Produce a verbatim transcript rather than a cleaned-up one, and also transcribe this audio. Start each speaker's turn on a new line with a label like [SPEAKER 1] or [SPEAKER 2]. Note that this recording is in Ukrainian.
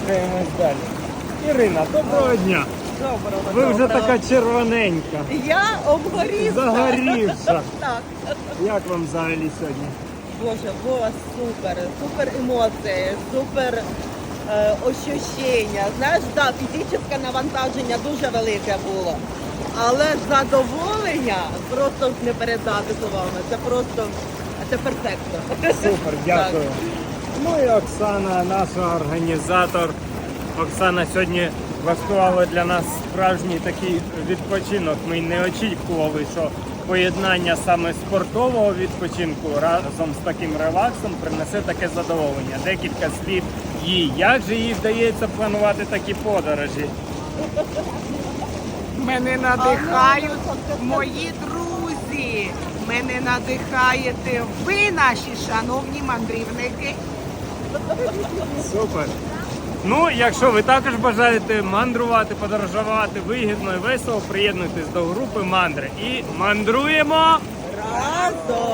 [SPEAKER 1] рухаємось далі. Ірина, доброго дня.
[SPEAKER 2] Доброго,
[SPEAKER 1] Ви вже
[SPEAKER 2] доброго.
[SPEAKER 1] така червоненька,
[SPEAKER 2] Я обгорівша.
[SPEAKER 1] загорівша.
[SPEAKER 2] Так.
[SPEAKER 1] Як вам взагалі сьогодні?
[SPEAKER 2] Боже, було супер. Супер емоції, супер е, ощущення. Знаєш, так, фізичне навантаження дуже велике було. Але задоволення просто не передати словами. Це просто, це перфектно.
[SPEAKER 1] Супер, дякую. Ну і Оксана, наша організатор. Оксана сьогодні влаштувала для нас справжній такий відпочинок. Ми не очікували, що поєднання саме спортового відпочинку разом з таким релаксом принесе таке задоволення. Декілька слів їй. Як же їй вдається планувати такі подорожі?
[SPEAKER 3] Мене надихають мої друзі. Мене надихаєте ви, наші шановні мандрівники.
[SPEAKER 1] Супер. Ну, якщо ви також бажаєте мандрувати, подорожувати вигідно і весело, приєднуйтесь до групи Мандри. І мандруємо!
[SPEAKER 2] Разом!